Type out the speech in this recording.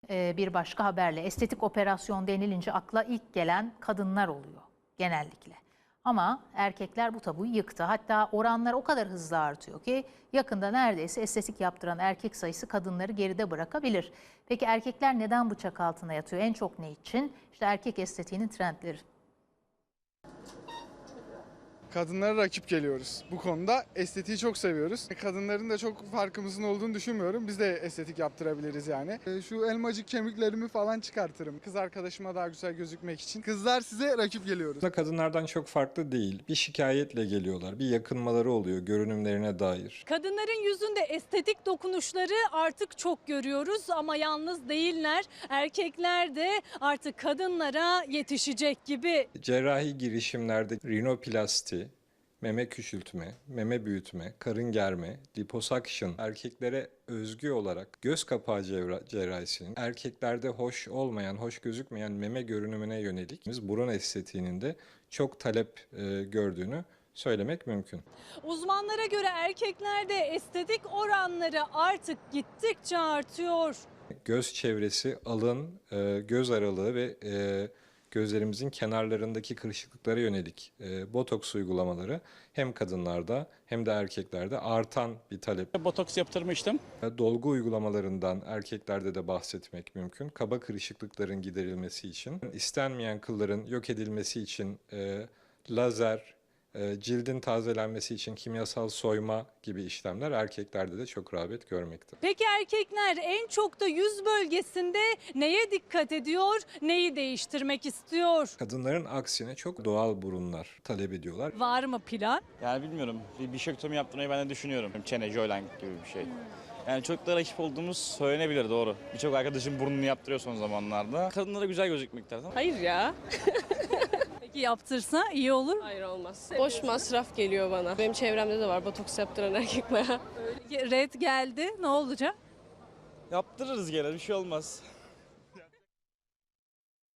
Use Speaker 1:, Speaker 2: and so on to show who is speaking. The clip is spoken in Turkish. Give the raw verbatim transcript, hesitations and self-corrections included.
Speaker 1: e, bir başka haberle. Estetik operasyon denilince akla ilk gelen kadınlar oluyor genellikle. Ama erkekler bu tabuyu yıktı. Hatta oranlar o kadar hızlı artıyor ki yakında neredeyse estetik yaptıran erkek sayısı kadınları geride bırakabilir. Peki erkekler neden bıçak altına yatıyor? En çok ne için? İşte erkek estetiğinin trendleri.
Speaker 2: Kadınlara rakip geliyoruz. Bu konuda estetiği çok seviyoruz. Kadınların da çok farkımızın olduğunu düşünmüyorum. Biz de estetik yaptırabiliriz yani. Şu elmacık kemiklerimi falan çıkartırım. Kız arkadaşıma daha güzel gözükmek için. Kızlar size rakip geliyoruz.
Speaker 3: Kadınlardan çok farklı değil. Bir şikayetle geliyorlar. Bir yakınmaları oluyor görünümlerine dair.
Speaker 4: Kadınların yüzünde estetik dokunuşları artık çok görüyoruz ama yalnız değiller. Erkekler de artık kadınlara yetişecek gibi.
Speaker 3: Cerrahi girişimlerde rinoplasti, meme küçültme, meme büyütme, karın germe, liposuction erkeklere özgü olarak göz kapağı cerrahisinin erkeklerde hoş olmayan, hoş gözükmeyen meme görünümüne yönelik biz burun estetiğinin de çok talep e, gördüğünü söylemek mümkün.
Speaker 4: Uzmanlara göre erkeklerde estetik oranları artık gittikçe artıyor.
Speaker 3: Göz çevresi, alın, e, göz aralığı ve e, gözlerimizin kenarlarındaki kırışıklıklara yönelik e, botoks uygulamaları hem kadınlarda hem de erkeklerde artan bir talep.
Speaker 5: Botoks yaptırmıştım.
Speaker 3: Dolgu uygulamalarından erkeklerde de bahsetmek mümkün. Kaba kırışıklıkların giderilmesi için, istenmeyen kılların yok edilmesi için e, lazer, e, cildin tazelenmesi için kimyasal soyma gibi işlemler erkeklerde de çok rağbet görmekte.
Speaker 4: Peki erkekler en çok da yüz bölgesinde neye dikkat ediyor, neyi değiştirmek istiyor?
Speaker 3: Kadınların aksine çok doğal burunlar talep ediyorlar.
Speaker 4: Var mı plan?
Speaker 5: Yani bilmiyorum. Bir bişektomi yaptırmayı ben de düşünüyorum. Çene, jawline gibi bir şey. Yani çok da rakip olduğumuz söylenebilir, doğru. Birçok arkadaşım burnunu yaptırıyor son zamanlarda. Kadınlara güzel gözükmekte.
Speaker 6: Hayır ya.
Speaker 4: Peki yaptırsa iyi olur mu?
Speaker 6: Hayır olmaz. Boş masraf geliyor bana. Benim çevremde de var botoks yaptıran erkek bayağı.
Speaker 4: Red geldi, ne olacak?
Speaker 5: Yaptırırız gene, bir şey olmaz.